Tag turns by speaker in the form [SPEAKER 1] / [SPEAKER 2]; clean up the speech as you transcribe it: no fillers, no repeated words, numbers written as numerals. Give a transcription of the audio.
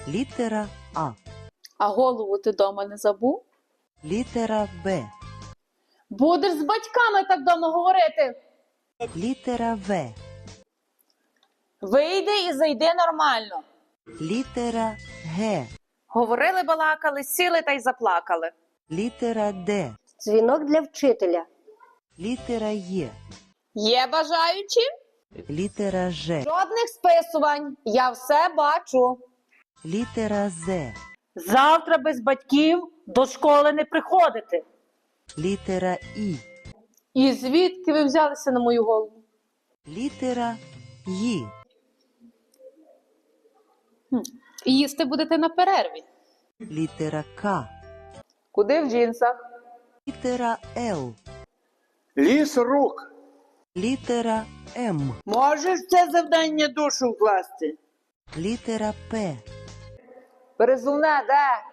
[SPEAKER 1] Літера А.
[SPEAKER 2] А голову ти дома не забув?
[SPEAKER 1] Літера Б.
[SPEAKER 2] Будеш з батьками так дома говорити.
[SPEAKER 1] Літера В.
[SPEAKER 2] Вийди і зайди нормально.
[SPEAKER 1] Літера Г.
[SPEAKER 2] Говорили, балакали, сіли та й заплакали.
[SPEAKER 1] Літера Д.
[SPEAKER 3] Дзвінок для вчителя.
[SPEAKER 1] Літера Є.
[SPEAKER 2] Є бажаючі?
[SPEAKER 1] Літера Ж.
[SPEAKER 2] Жодних списувань. Я все бачу.
[SPEAKER 1] Літера З.
[SPEAKER 4] Завтра без батьків до школи не приходити.
[SPEAKER 1] Літера І.
[SPEAKER 2] І звідки ви взялися на мою голову?
[SPEAKER 1] Літера Й.
[SPEAKER 2] Їсти будете на перерві.
[SPEAKER 1] Літера К.
[SPEAKER 2] Куди в джинсах?
[SPEAKER 1] Літера Л.
[SPEAKER 5] Ліс рук.
[SPEAKER 1] Літера М.
[SPEAKER 6] Можеш це завдання душу вкласти?
[SPEAKER 1] Літера П.
[SPEAKER 2] Перезувне, де?